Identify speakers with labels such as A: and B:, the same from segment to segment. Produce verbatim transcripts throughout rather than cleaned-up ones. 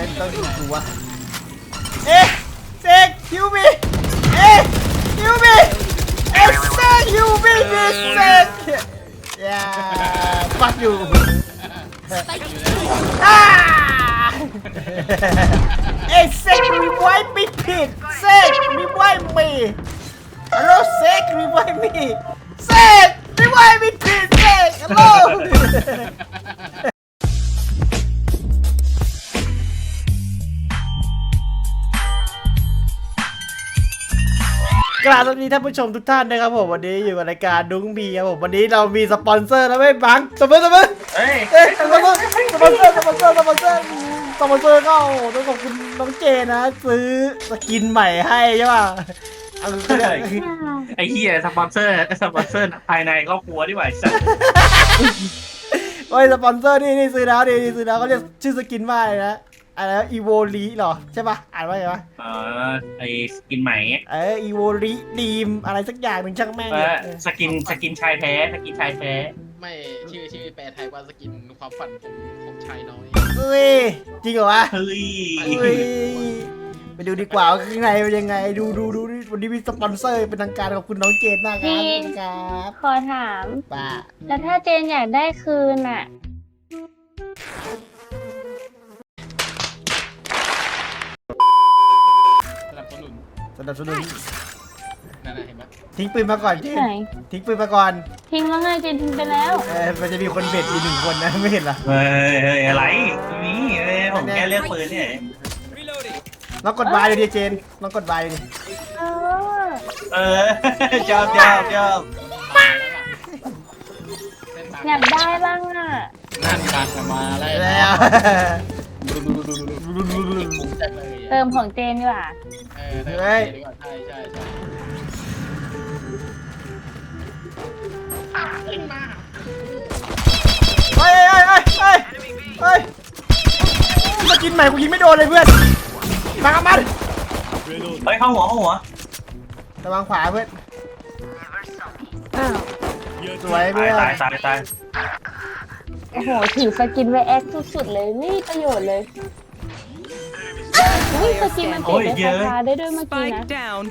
A: ต้องยิงกูวะเอ๊ะเซกคิวบีเอ๊ะคิวบีเอ๊ะเซกคิวบีดิเซกอย่าฟักอยู่อ้าเอ๊ะเซกรีไวท์ไม่ผิดเซกรีไวท์มีฮัลโหลเซกรีไวท์มีเซกรีไวท์ไม่ผิดเซกฮัลโหลกราบสวัสดีท่านผู้ชมทุกท่านนะครับผมวันนี้อยู่กับรายการดุ้งบีครับผมวันนี้เรามีสปอนเซอร์แล้วไม่บังสปอนเซอร์สปอนเซอร์เอ้ยเอ้ยสปอนเซอร์สปอนเซอร์สปอนเซอร์สปอนเซอร์สปอนเซอร์ก็ต้องขอบคุณน้องเจนะซื้อสกินใหม่ให้ใช่ป่ะ
B: ไอ้เหี้ยสปอนเซอร์สปอนเซอร์ภายในครอบครัวที่ไหวสัส
A: โอ้ยสปอนเซอร์นี่นี่ซื้อแล้วนี่ซื้อแล้วเขาเรียกชื่อสกินว่าอะไรนะอะไรอีโวลีหรอใช่ป่ะอ่านว่าไงวะ
B: เออไอสกินใหม่
A: เอออีโวลีดีมอะไรสักอย่างหนึ่งช่างแม่ง
B: สกินสกินชายแท้สกินชายแท้
C: ไม่ชื่อชื่อแปลไทยว่าสกินความฝันของของชายน้อย
A: เฮ้ยจริงเหรอวะ
B: เฮ้ย
A: ไปดูดีกว่าข้างในเป็นยังไงดูดูดูวันนี้มีสปอนเซอร์เป็นทางการขอบคุณน้องเจนมากครับครับ
D: ขอถาม
A: ป้า
D: แล้วถ้าเจนอยากได้คืนอ่ะ
C: สนับสนุน
A: สนับสนุน
C: นั่นเห็นไหม
A: ทิ้งปืนมาก่อนเจนทิ้งปืนมาก่อน
D: ทิ้งแล้วไงเจนทิ้งไปแล้ว
A: เออมันจะมีคนเบ็ดอีกหนึ่งคนนะไม่เห็นหรอ
B: เฮ้ยเฮ้ยอะไรนี่ผมแค่เลือกปืนเนี่ย
A: ลองกดบายดูดิเจนลองกดบายดูดิ
D: เออ
B: เออชอบชอบชอบ
D: อยากได้บ้างอ่ะ
C: นั่นการมาอะไร
A: แล้ว
D: เติมของเจนดีกว่า
C: เออเฮ้ยใช่ใช่ใช่
A: เฮ้ยเฮ้ยเฮ้ยเฮ้ยเฮ้ยสกินใหม่กูยิงไม่โดนเลยเพื่อนมากับมัน
B: เฮ้ยเข้าหัวเข้าหัว
A: ระวังขวาเพื่อนสวยเพื่อน
B: ตายตายตาย
D: โอ้โหถือสกินไว้แอคสุดๆเลยนี่ประโยชน์เลยอุ้ยสกินมันเปลี่ยนเป็นคาถาได้ด้วยเมื่อกี้นะ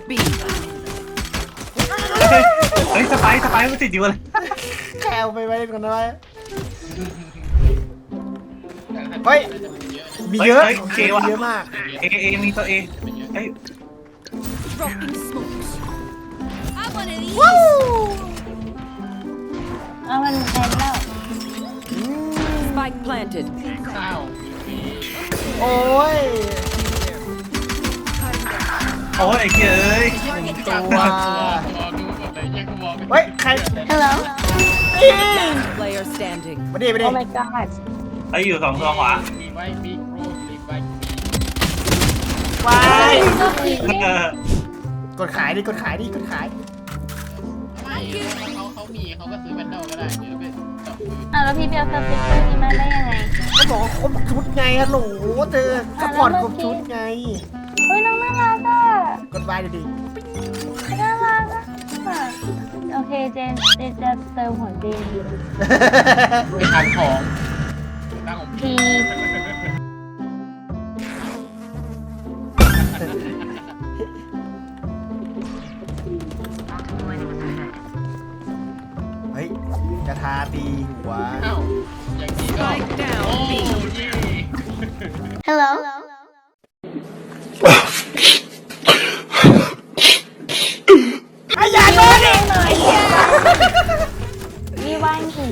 B: เฮ้ยสไปสไปมันติดอยู่เลย
A: แคลไปไว้ก่อนนะเฮ้ยมีเยอะ
B: เย
A: เยอะมาก
B: เอเอมีตัวเอเฮ้ย
D: ว้าวเอามันแทนแล้ว
E: Spike planted
C: ข้าว
A: โอ้ย
B: โอ้ยไอ้เจ้ย
A: ตัว
C: รอดูก่อนเลยยังมอง
A: เฮ้ยใคร
D: Hello
A: นี่
E: player standing
A: มาดิมาดิ
D: Oh my god
B: ไอ้อยู่สองตัวขวา
C: มีไว้มีโครมีไว้
A: วาย
D: ก
A: กดขายดิกดขายดิกดขาย
C: ไม่เขาเขามีเขาก็ซื้อแบนเดิลก็ได้เดี๋ยวไปจับมือ
D: อ่ะแล้วพี่เปียวสติ๊กเกอร์นี้มาได้ยังไง
A: ก็บอกว่าครบชุดไงฮัลโหลเธอสปอร์ตครบชุดไง
D: เฮ้ยน้องน่ารักอ่ะ
A: กดบายดิดิ
D: น่ารักอ่ะโอเคเจนเจนจะเติมของเจน
C: ไปทานของตั้งของ
D: พี่
A: เฮ้ยกระทาตีหัว
C: อ้าวอย่างนี้ก็โอ้ย
D: Hello
A: ไอ้ยาโดนดิ
D: มีว่างสิ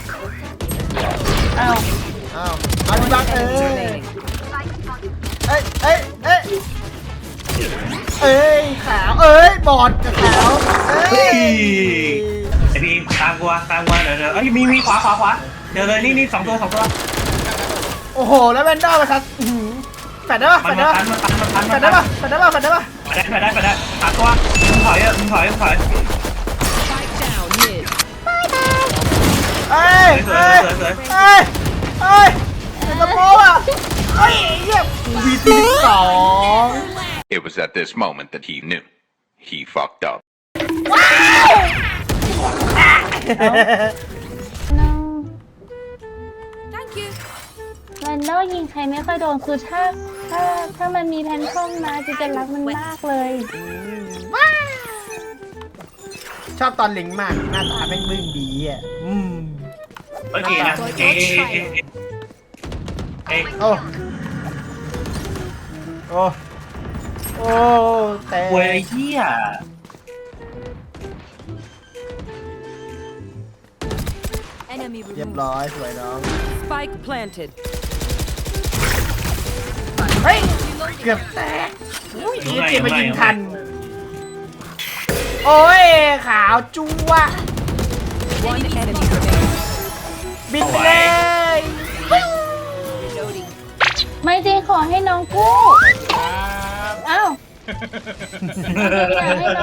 D: อ้าว
A: อ้าวอันบักเอ้ยเอ้ยเอ้ยเอ้ยเอ้ยขาวเอ้ยบอดกับขาวเอ้ย
B: ไอพี่ตามกูตามกูเดี๋ยวเดี๋ยวเอ้ยมีมีขวาขวาขวาเดี๋ยวเลยนี่นี่สองตัวสองตัว
A: โอ้โหแล้วแวนด้ามาทัดแฟดได้ป่ะแฟดได้ป่ะแฟดได้ป่ะแฟดได้ป่ะแฟดได้ป่ะ
B: แฟดได้แฟดได้แฟดได้ตัดตัวมึงถอยอ่ะมึงถอยมึงถอย
A: เอ้ยเอ้ยเอ้ยเอ้ยเอ้ยเป็นกระโปงอ่ะเอ้ยเยี่ยมวีซีสอง
F: It was at this moment that he knew he fucked up.
D: No Thank you เรานดอลยิงใครไม่ค่อยโดนคือถ้าถ้าถ้ามันมีแพนทอมมาจะจะรักมันมากเลย
A: ชอบตอนลิงมากหน้าตาแม่งบึ้งดีอ่ะอืม
B: โอเคนะเอ๊ะเอ๊ะเอ๊ะ
A: โอ้โอ้โอ้แต่
B: เว้ยเหี้ย
E: Enemy
A: เรียบ
E: removed.
A: ร้อยสวยน้อง
E: Spike planted.
A: เฮ้ยเกือบแตกอุ้ยอีจีมายิงทันโอ้ยขาวจั๊ว
E: One enemy remaining.
A: บินไปเลย
E: Reloading.
D: ไม่จริงขอให้น้องกู้
C: ครับ
D: อ้าวอยากให้น้อง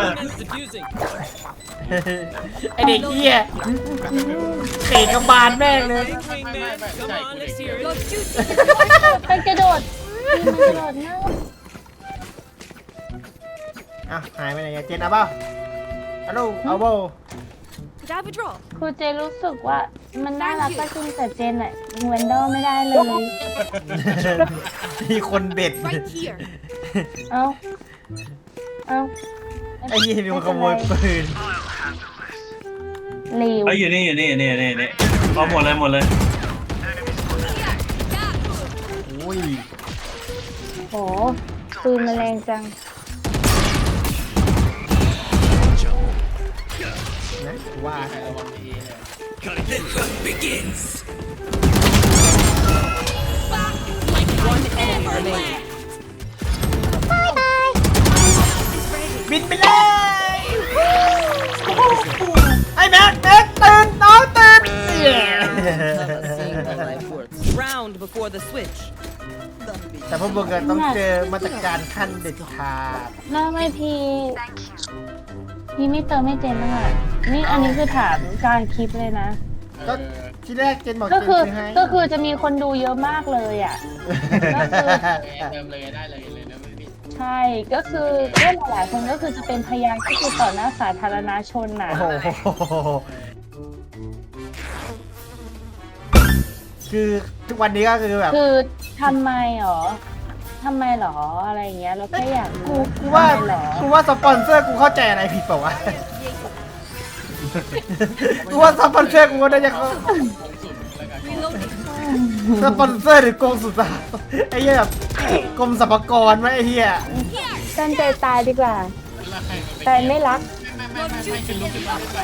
A: ไอเด็กเหี้ยเตะกระบาลแม่งเลย
C: ไม่ไม่ไม่ใช่กูเด็กเหี้ย
D: มันกระโดดมันกระโดดหน้า
A: อ้าวหายไปไหนอะเจนเอาเปล่าฮัลโหลเอาเปล่า
E: Could I have a draw?
D: ครูเจรู้สึกว่ามันน่ารักก็จริงแต่เจนอะยิงแวนดอลไม่ได้เลย
A: มีคนเบ็ด
E: Right here.
D: เอ้าเอ้า
A: ไอ้เหี้ยมีคนขโมยปืน
D: หลิว
B: เอ้ยอยู่นี่อยู่นี่อยู่นี่อยู่นี่อยู่นี่เอาหมดเลยหมดเลย
A: อุ้ย
D: โหปืนมันแรงจัง
A: นะว่า
C: ใครระวังดีเลย
E: One enemy remaining.
A: บินไปเลยไอ้แม็กแม็กตื่นน้องตื่น
E: Round before the switch.
A: แต่พวกมึงอะต้องเจอมาตรการขั้นเด็ดขาด
D: แล้วไม่พี่พี่ไม่เติมให้เจนบ้างอะนี่อันนี้คือถามกลารคลิปเลยนะ
A: ก็ที่แรกเจนบอก
D: ก็
A: เจน
D: คือ
A: ซื้อให้
D: ก็คือจะมีคนดูเยอะมากเลยอ่ะ ก็คือ
C: เติมเลยได้เลยเลยนะพี่
D: ใช่ก็คือก็หลายๆคนก็คือจะเป็นพยานก็คือต่อหน้าสาธารณชนน่ะ
A: โอ้โหคือทุกวันนี้ก็คือแบบ
D: คือทำไมหรอทำไมหรออะไรอย่างเงี้ยเราแค่อยาก
A: กู
D: รู้
A: กูว่า
D: ทำไมหรอ
A: กูว่าสปอนเซอร์กูเข้าใจอะไรผิดเปล่าวะ กูว่าสปอนเซอร์กูก็น่าจะเข้า
C: ผมสุดแล้วกัน
E: Reloading.
A: สปอนเซอร์หรือกรมสุสานไอ้เหี้ยแบบกรมสรรพากรไหมไอ้เหี้ย
D: ตั้งใจตายดีกว่า
C: แล้วใครมัน
D: แต่ไม่รัก
C: ไม่ไม่ไม่ไม่ขึ้นลุกขึ้นมาไม่ไป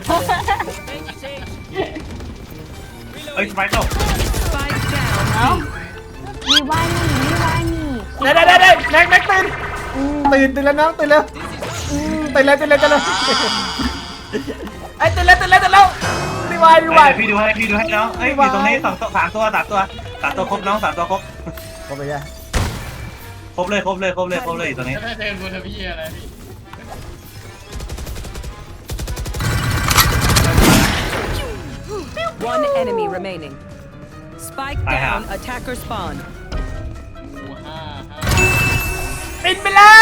B: เอ้ยไปตก
E: Spike down.
D: เอ้ามีว่านี่มีว่านี่
A: ได้ได้ได้ได้แม็กแม็กตื่น
D: อืม
A: ตื่นตื่นแล้วน้องตื่นแล้วอืมตื่นแล้วตื่นแล้วตื่นแล้วไอ้ตื่นแล้วตื่นแล้วตื่นแล้วรีวายรี
B: เอ้
A: วาย
B: ยพี่ดูให้พี่ดูให้น้องเอ้ยอยู่ตรงนี้สองตัวสามตัวสามตัวสามตัวครบน้องสามตัวครบ
A: เข้าไปยัง
B: ครบเลยครบเลยครบเลยครบเลยอยู่ตรงนี้
C: จะได้เติมบนทพี่อะไรพี่
E: One enemy remaining. Spike down. Attacker spawn.
C: หมูห้าห้า
A: ปิดไปเลย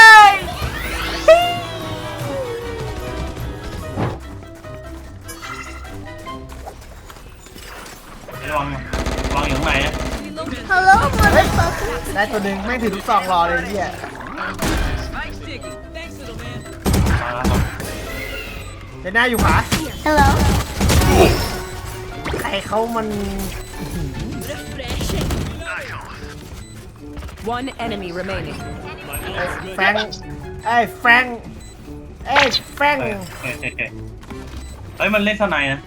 B: ระวังระวังอยู่ข้างในนะ
A: ฮัลโหลเฮ้ยได้ตัวหนึ่งไม่งถือลูกซองรอเลยเหี้ย
B: มาแล้ว
A: เจน่าอยู่ขวา
D: ฮัลโหล
A: ใครเขามัน
E: One enemy remaining.
A: แฟรงค์ไอ้แฟรงค์ไอ้แฟรงค์
B: เอ้ยเอ้ยเอ้ยเอ้ยเฮ้ยมันเล่นเท่าไหร่นะ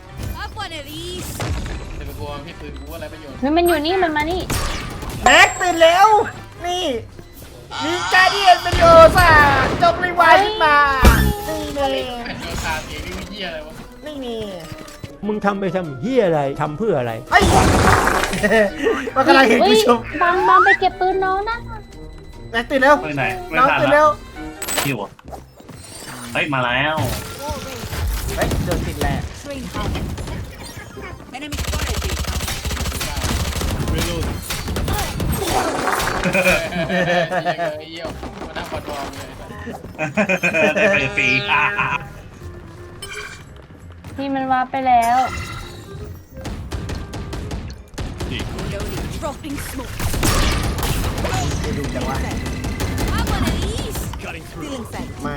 C: จะไปกลัวพี่ปืนกูอะไรประโยชน์
D: นี่มันอยู่นี่มันมานี่
A: แม็กตื่นแล้ว นี่มีการเดียนเป็นโอซ่าจบรีไวายขึ้นมานี่นี่
C: ไอ้ตัวคาเสียนี่เหี้ยอะไรวะ
A: นี่นี่
G: มึงทำไปทำเฮียอะไร ทำเพื่ออะไร
A: ไอ้ยมันกำลังเห็นกูชม
D: บางบางไปเก็บปืนน้องนะ
A: แม็กตื่นแล้ว
B: ไปไหนไม่
A: น้อง
B: ทัน
A: ตื่น
B: แล้
A: แล้ว ว
B: อยู่อ่ะเฮ้ยมาแล้ว
A: เฮ้ยโดนติดแหละ
E: Enemy spotted.
C: ไอ้เหี้ยมานั่งบอลบอลเลย
B: ได้ไปฟรีอ่ะ
D: พี่มันวาร์ปไปแล้ว
E: Reloading. Dropping smoke.
A: ไปดูจังวะ
E: I want of these. Feeling sight.
A: มา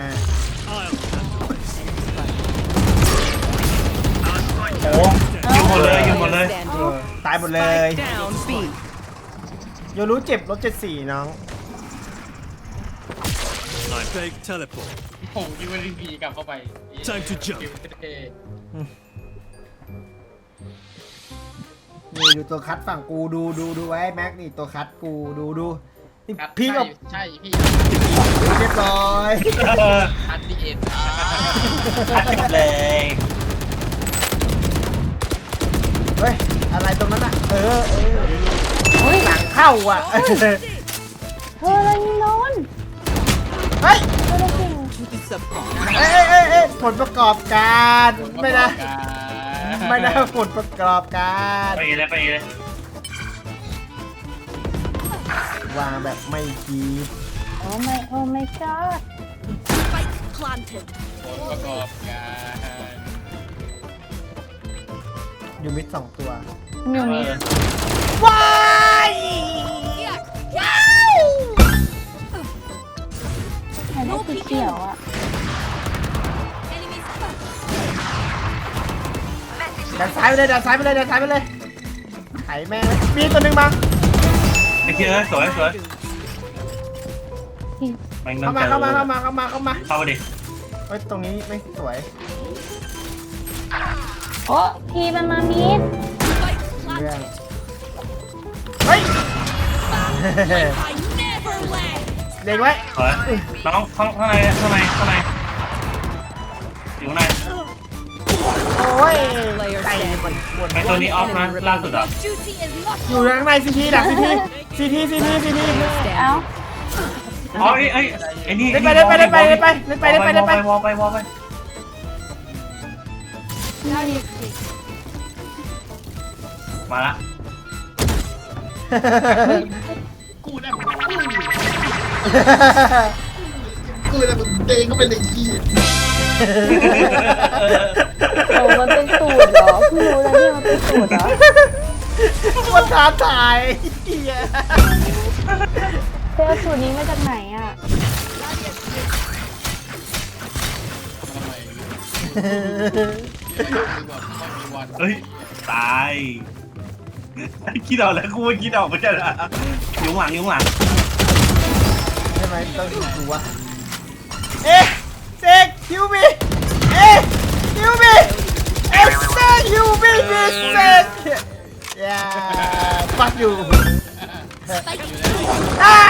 A: โอ้
B: ยิงหมดเลยยิงหมดเลย
A: เออตายหมดเลย
E: Spike down B.
A: โยรู้เจ็บลบเจ็ดสี่น้อง
H: I beg teleport.
C: ผมยิงวันพีกลับเข้าไป
H: Time to jump.
A: นี่ดูตัวคัดฝั่งกูดูดูดูไว้แม็กนี่ตัวคัดกูดูดูนี่
C: ครับ
A: พี่กับ
C: ใช่พี่
A: เรียบร้อย
C: อันดีเอ็น
B: อัดเลย
A: เฮ้ยอะไรตรงนั้นอ่ะเออเออเฮ้ยหลังเข้าอ่ะ
D: เธออะไรนี่นอน
A: เฮ้ย
D: เธอได้จริง
A: เอ้ยเอ้ยเอ้ยผลประกอบการไม่นะไม่นะผลประกอบการ
B: ไปเลยไปเลยว
A: างแบบไม่คิด
D: โอ้ไม่โอ้ไม่กอด
E: Spike planted.
C: ผลประกอบการ
A: ยูมิดสองตัว
D: มิว
B: เอ
D: นิ
B: อ
A: ว้าย
D: แค่ได้สีเขียวอ่ะ
E: Enemies.
A: ดันซ้ายไปเลยดันซ้ายไปเลยดันซ้ายไปเลยไถแม่งเลยมีตัวหนึ่งมา
B: ไอ้เหี้ยสวยสวยแม่ง
A: เข้ามาเข้ามาเข้ามาเข้ามาเข้ามา
B: เข้ามาดิ
A: เฮ้ยตรงนี้ไม่สวย
D: โอ้ทีมันมามิด
E: Spike
A: เรื่อง
E: planted.
A: เฮ้ย
E: I never left.
A: เด็กไว้
B: สวยน้องข้างข้างในข้างในข้างในอยู่ข้างใน
A: โอ้ยไก่มันปวด
B: ไอ้ตัวนี้ออฟนะล่าสุดอ่ะ
E: Duty is not
A: อยู่ข้างในซีทีดักซีทีซีทีซีทีซีที
D: เอ้า
B: อ๋อไอ้ไอ้ไอ้นี่
A: เล่นไปเล่นไปเล่นไปเล่นไปเล่นไปเล่นไปเล่นไป
B: วอลไปวอลไปมาละ
C: กูได้หมด
A: กูเลยมันเตงก็เป็นเด็กขี้
D: โอ้มันเป็นสูตรเหรอเพิ่งรู้แล้วเนี่ยมันเป็นสูตรเหรอ
A: ว่าท้าทายเหี้ย
D: เจอสูตรนี้มาจากไหนอ่ะ
C: ทำไมคือแบบไม่มีวัน
B: เฮ้ยตายคิดออกแล้วกูไม่คิดออกไม่ใช่เหรอยุงหลังยุงหลัง
A: ใช่ไหมต้องดูวะเอ๊ะเซกคิวมีเอ๊ะคิวมีเอ๊ะเซกคิวมีดิเซกอย่าฟักอยู่อ่า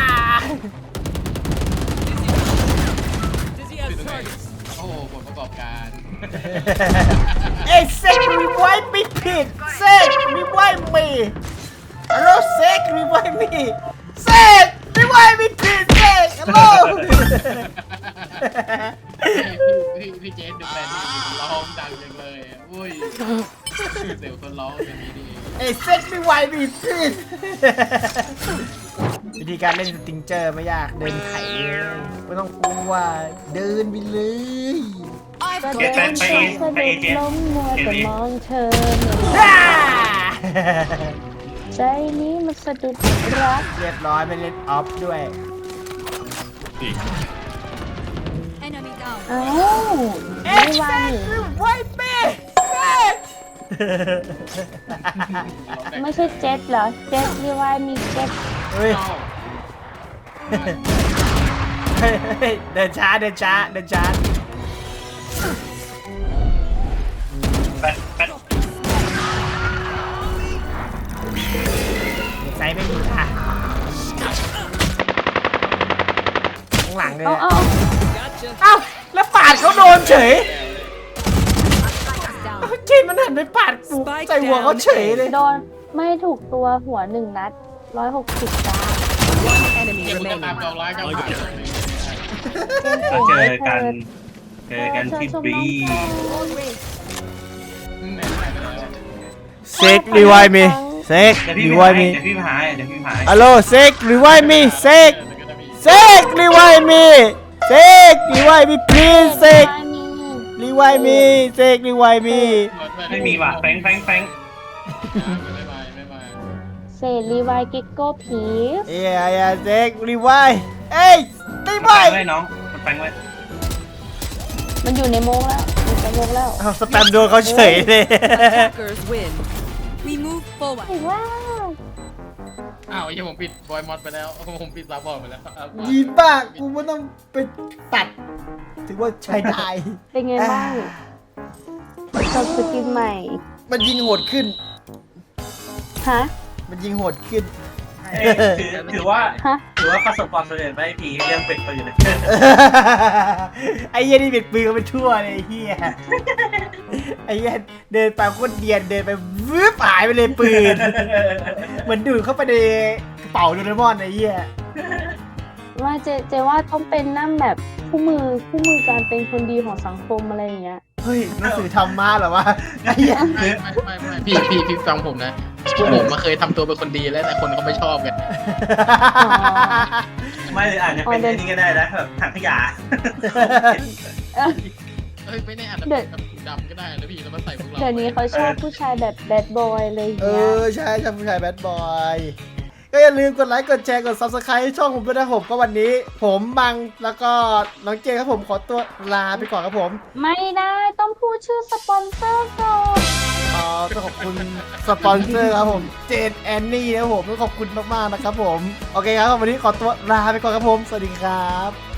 C: โอ้โหผลประกอบการ
A: เอ๊ะเซกรีไวท์ไม่ผิดเซกรีไวท์มีฮัลโหลเซกรีไวท์มีเซกรีไวท์ไม่ผิดเซกฮัลโหล
C: พี่พี่เจนดูแลนี่ร้องดังจังเลยอุ้ยเสียวคนร้องอย่างนี้ดี
A: เอ้ยเซ็ตไม่ไหวบีบพิษวิธีการเล่นสติงเจอร์ไม่ยากเดินไถเลยไม่ต้องกลัวเดินไปเลย
E: I've
D: ก็
E: got
D: เดิน
B: ไปไป
D: สะ
B: ไป
D: ดุ
B: เอ
D: ด
B: เจนต์
D: ล้มมัวแต่มองเธอ
A: อ่า
D: ใจนี้มันสะดุดรัก
A: เรียบร้อยไปเล่นออฟด้วย
E: enemy down.
D: เอ้า
A: เอ๊ะ
D: ไม่ว่า
A: เซ็ต
D: หนิ
A: ไม่ไหวเป้เซ็ต
D: ไม่ใช่เจ็ตเหรอ เจ็ตที่ว่ามีเจ็ต
A: เฮ้ยเฮ้ยเฮ้ยเดินช้าเดินช้าเดินช้า
B: ไปไป
A: ใส่ไม่มีค่ะข้างหลังเลย
D: เอา
A: อะ
D: เอา
A: เอ้าแล้วปาดเขาโดนเฉยเอ้าจีนมันหันไปปาดกูใส่หัวเขาเฉยเลย
D: โดนไม่ถูกตัวหัวหนึ่งนัดร้อยหกสิบจ้า
E: One enemy
C: เก็บตัวตาม
E: remaining.
C: กองร้ายกองร้าย
B: เราเจอกันเจอกันที่บี
A: เซ็กรีไวมีเซ็ก
B: เดี๋ยวพี่
A: รี
B: ไป
A: ไว
B: หา
A: มี
B: เดี๋ยวพี่ไปหาเดี๋ยวพี่ไปหา
A: ฮัลโหลเซ็กรีไวมีเซ็กเซ็กรีไวมีเซ็กรีไวมี please เซ็กรีไวมีเซ็กรีไวมี
B: ไม่มีว่ะแฟงแฟงแฟง
C: ไม่มาไม่มา
D: เศษรีไวเก็กโก้พีส
A: เอ้ยเอ้ยเซ็กรีไวล์เอ้ยรีไว
B: แปลง
A: ล์
B: ไว้น้องมันแปลงไว้
D: มันอยู่ในโมงแล้วมันไปโมงแล้ว
A: เอาสแปมโดนเขาเฉยเลย
E: Attackers win. We move forward.
D: ไอ้ว้าว
C: อ้าวไอ้เหี้ยผมปิดบอยมอดไปแล้วผมปิดซับบอร์ดไปแล้วเอา
A: ดีมากกูไม่ต้องไปตัด ถือว่าใช้ได้
D: เป็นไงบ้างกับสกินใหม่
A: มันยิงโหดขึ้น
D: ฮะ
A: มันยิงโหดขึ้น
B: เอ้ยถือถือว่า
D: ฮะ
B: ถือว่าประสบความสำเร็จไหมพี่เรื่องเป็ดปืนเลย
A: ไอ้เหี้ยนี่เบ็ดปืนกันไปทั่วเลยไอ้เหี้ยไอ้เหี้ยเดินไปโคตรเดียนเดินไปวืบหายไปเลยปืน เหมือนดูดเข้าไปในกระเป๋าโดเรมอนไอ้เหี้ย
D: ว่าเจเจว่าต้องเป็นนั่นแบบคู่มือคู่มือการเป็นคนดีของสังคมอะไรอย่างเงี้ย
A: เฮ้ยหนังสือธรรมะเหรอวะไอ้เหี้ย
C: ไม่ไม่ไม่ไม่พี่พี่พี่ฟังผมนะพวกผมมาเคยทำตัวเป็นคนดีแล้วแต่คนเขาไม่ชอบกัน
D: อ๋อ
B: ไม่หรืออาจจะเป็นอันนี้ก็ได้นะแบบถังขยะ
C: เฮ้ยไม่แน่อาจจะเป็นแบบถุงดำก็ได้นะพี่แล้วมาใส่พวกเรา
D: เดี๋ยวนี้เขาชอบผู้ชายแบบแบดบอยเลยอย่าง
A: เอ
D: เงี้ย
A: อใช่ใช่ผู้ชายแบดบอยก็อย่าลืมกดไลค์กดแชร์กด ซับสไครบ์ ให้ช่องผมด้วยนะผมก็วันนี้ ผมบังแล้วก็น้องเจครับผมขอตัวลาไปก่อนครับผม
D: ไม่ได้ต้องพูดชื่อสปอนเซอร์ก่อน
A: อ๋อต้องขอบคุณสปอนเซอร์ครับผมเจนแอนนี่นะครับผมต้องขอบคุณมากๆนะครับผมโอเคครับวันนี้ขอตัวลาไปก่อนครับผมสวัสดีครับ